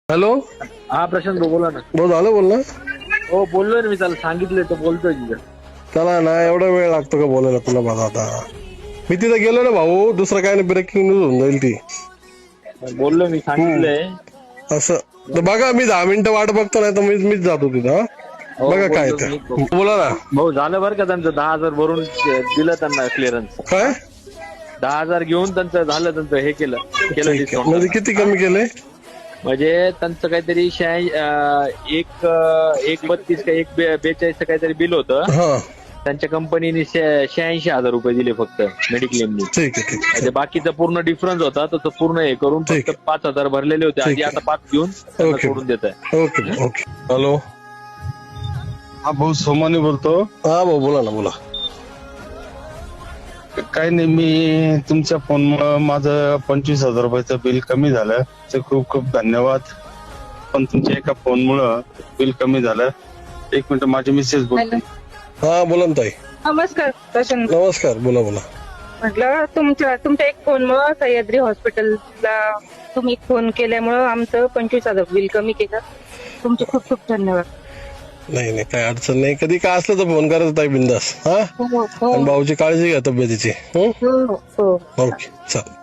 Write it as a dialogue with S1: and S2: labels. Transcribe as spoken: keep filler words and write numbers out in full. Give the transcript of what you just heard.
S1: Hello.
S2: हा प्रशांत भाऊ बोला ना.
S1: भाऊ झालं बोल ना.
S2: हो बोललोय ना मी, त्याला सांगितलंय तो बोलतोय तिथं.
S1: त्याला ना एवढा वेळ लागतो का बोलायला तुला? माझा आता मी तिथं गेलो ना भाऊ, दुसरं काय नाही, ब्रेकिंग न्यूज होऊन जाईल ती.
S2: बोललो मी, सांगितलंय.
S1: असं तर बघा, मी दहा मिनिटं वाट बघतो, नाही तर मीच मीच जातो तिथं. हा?
S2: हो,
S1: बघा काय
S2: बोललो
S1: ते.
S2: मी.
S1: बोला ना.
S2: भाऊ झालं बरं का त्यांचं, दहा हजार भरून दिलं त्यांना क्लिअरन्स.
S1: काय
S2: दहा हजार घेऊन त्यांचं झालं, त्यांचं हे केलं केलं
S1: ठीक आहे.
S2: डिस्काउंट.
S1: म्हणजे किती कमी केले?
S2: म्हणजे त्यांचं काहीतरी शहाऐंशी एक एक बत्तीस का एक बेचाळीस काहीतरी बिल होतं.
S1: हा
S2: त्यांच्या कंपनीने शहाऐंशी हजार रुपये दिले फक्त मेडिक्लेमनी.
S1: ठीक आहे ठीक आहे
S2: म्हणजे बाकीचा पूर्ण डिफरन्स होता, तर पूर्ण हे करून
S1: ठीक
S2: फक्त पाच हजार भरलेले होते आधी,
S1: ठीक आहे.
S2: आता पाच घेऊन त्यांना
S1: ओके.
S2: सोडून देत आहे.
S1: Okay okay. हॅलो.
S3: हा भाऊ सोमानी बोलतो.
S1: हा भाऊ बोला ना, बोला.
S3: काही नाही, मी तुमच्या फोनमुळं माझं पंचवीस हजार रुपयाचं बिल कमी झालं, ते खूप खूप धन्यवाद. पण तुमच्या एका फोनमुळं बिल कमी झालं. एक मिनिट, माझी मिसेस बोलते.
S1: हा बोला ना ताई.
S4: नमस्कार प्रशांत.
S1: नमस्कार, बोला बोला.
S4: म्हटलं तुमच्या तुमच्या एक फोनमुळं सह्याद्री हॉस्पिटलला तुम्ही फोन केल्यामुळं आमचं पंचवीस हजार बिल कमी केलं. तुमचे खूप खूप धन्यवाद.
S1: नाही नाही, काय अडचण नाही. कधी काय असलं तर फोन करायचं ताई, बिंदास. हा.
S4: हो हो
S1: आणि भाऊची काळजी घ्या तब्येतीची.
S4: हो हो.
S1: ओके चल.